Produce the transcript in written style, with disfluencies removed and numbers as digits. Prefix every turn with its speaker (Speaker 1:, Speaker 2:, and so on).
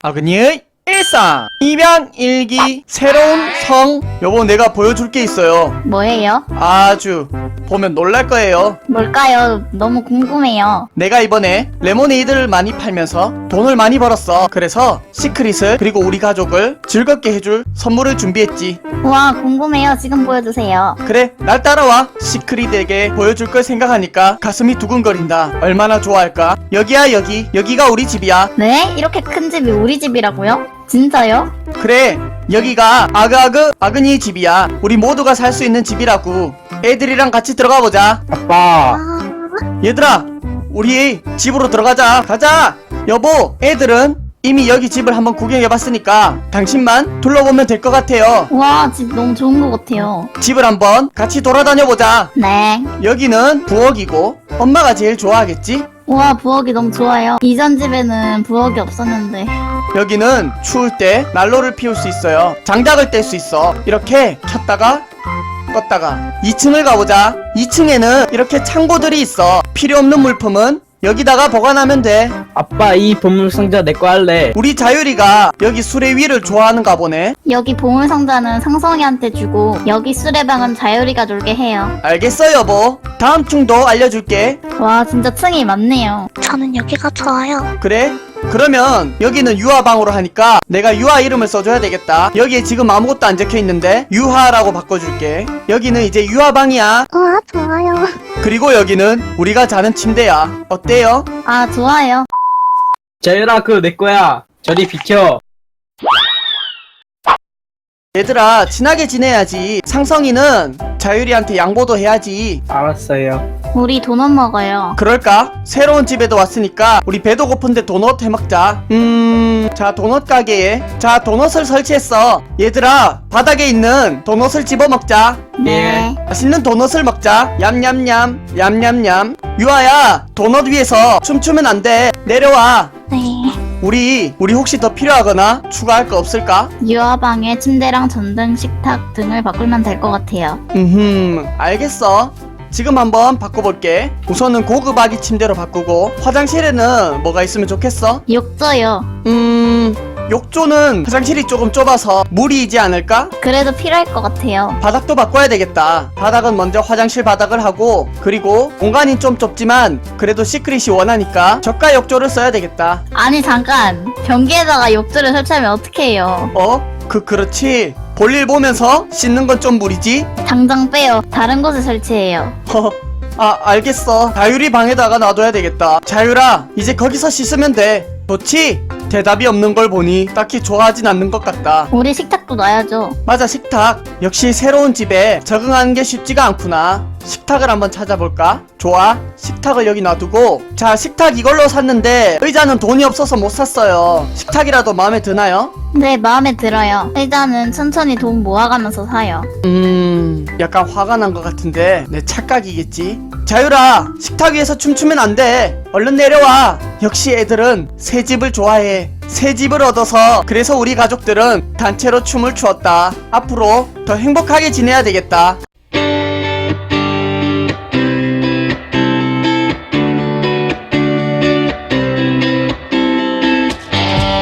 Speaker 1: 아그니의 일상 입양일기 새로운 성. 여보, 내가 보여줄 게 있어요.
Speaker 2: 뭐예요?
Speaker 1: 아주 보면 놀랄 거예요.
Speaker 2: 뭘까요? 너무 궁금해요.
Speaker 1: 내가 이번에 레모네이드를 많이 팔면서 돈을 많이 벌었어. 그래서 시크릿을 그리고 우리 가족을 즐겁게 해줄 선물을 준비했지.
Speaker 2: 우와, 궁금해요. 지금 보여주세요.
Speaker 1: 그래, 날 따라와. 시크릿에게 보여줄 걸 생각하니까 가슴이 두근거린다. 얼마나 좋아할까? 여기야, 여기가 우리 집이야.
Speaker 2: 네? 이렇게 큰 집이 우리 집이라고요? 진짜요?
Speaker 1: 그래, 여기가 아그니 집이야. 우리 모두가 살 수 있는 집이라고. 애들이랑 같이 들어가 보자.
Speaker 3: 아빠,
Speaker 1: 얘들아, 우리 집으로 들어가자. 가자. 여보, 애들은 이미 여기 집을 한번 구경해봤으니까 당신만 둘러보면 될 것 같아요.
Speaker 2: 우와, 집 너무 좋은 것 같아요.
Speaker 1: 집을 한번 같이 돌아다녀보자.
Speaker 2: 네.
Speaker 1: 여기는 부엌이고 엄마가 제일 좋아하겠지?
Speaker 2: 우와, 부엌이 너무 좋아요. 이전 집에는 부엌이 없었는데.
Speaker 1: 여기는 추울 때 난로를 피울 수 있어요. 장작을 뗄 수 있어. 이렇게 켰다가 껐다가. 2층을 가보자. 2층에는 이렇게 창고들이 있어. 필요 없는 물품은 여기다가 보관하면 돼.
Speaker 3: 아빠 이 보물상자 내 거 할래.
Speaker 1: 우리 자유리가 여기 수레위를 좋아하는가 보네.
Speaker 2: 여기 보물상자는 상성이한테 주고 여기 수레방은 자유리가 놀게 해요.
Speaker 1: 알겠어, 여보. 다음 층도 알려줄게.
Speaker 2: 와, 진짜 층이 많네요.
Speaker 4: 저는 여기가 좋아요.
Speaker 1: 그래? 그러면 여기는 유아방으로 하니까 내가 유아 이름을 써줘야 되겠다. 여기에 지금 아무것도 안 적혀있는데 유하라고 바꿔줄게. 여기는 이제 유아방이야.
Speaker 4: 우와, 좋아요.
Speaker 1: 그리고 여기는 우리가 자는 침대야. 어때요?
Speaker 2: 아, 좋아요.
Speaker 3: 자유라 그거 내 거야. 저리 비켜.
Speaker 1: 얘들아, 친하게 지내야지. 상성이는 자유리한테 양보도 해야지.
Speaker 3: 알았어요.
Speaker 2: 우리 도넛 먹어요.
Speaker 1: 그럴까? 새로운 집에도 왔으니까 우리 배도 고픈데 도넛 해먹자. 자, 도넛 가게에 자, 도넛을 설치했어. 얘들아, 바닥에 있는 도넛을 집어먹자.
Speaker 2: 네.
Speaker 1: 맛있는 도넛을 먹자. 얌얌얌 얌얌얌. 유아야, 도넛 위에서 춤추면 안 돼. 내려와.
Speaker 4: 네.
Speaker 1: 우리 혹시 더 필요하거나 추가할 거 없을까?
Speaker 2: 유아방에 침대랑 전등, 식탁 등을 바꾸면 될 것 같아요.
Speaker 1: 알겠어. 지금 한번 바꿔볼게. 우선은 고급 아기 침대로 바꾸고, 화장실에는 뭐가 있으면 좋겠어?
Speaker 2: 욕조요.
Speaker 1: 욕조는 화장실이 조금 좁아서 무리이지 않을까?
Speaker 2: 그래도 필요할 것 같아요.
Speaker 1: 바닥도 바꿔야 되겠다. 바닥은 먼저 화장실 바닥을 하고, 그리고 공간이 좀 좁지만 그래도 시크릿이 원하니까 저가 욕조를 써야 되겠다.
Speaker 2: 아니, 잠깐. 변기에다가 욕조를 설치하면 어떡해요.
Speaker 1: 그렇지. 볼일 보면서 씻는 건 좀 무리지?
Speaker 2: 당장 빼요. 다른 곳에 설치해요.
Speaker 1: 알겠어. 자유리 방에다가 놔둬야 되겠다. 자유라, 이제 거기서 씻으면 돼. 좋지? 대답이 없는 걸 보니 딱히 좋아하진 않는 것 같다.
Speaker 2: 우리 식탁도 놔야죠.
Speaker 1: 맞아, 식탁. 역시 새로운 집에 적응하는 게 쉽지가 않구나. 식탁을 한번 찾아볼까? 좋아, 식탁을 여기 놔두고. 자, 식탁 이걸로 샀는데 의자는 돈이 없어서 못 샀어요. 식탁이라도 마음에 드나요?
Speaker 2: 네, 마음에 들어요. 일단은 천천히 돈 모아가면서 사요.
Speaker 1: 약간 화가 난 것 같은데 내 착각이겠지? 자유라, 식탁 위에서 춤추면 안 돼. 얼른 내려와. 역시 애들은 새 집을 좋아해. 새 집을 얻어서 그래서 우리 가족들은 단체로 춤을 추었다. 앞으로 더 행복하게 지내야 되겠다.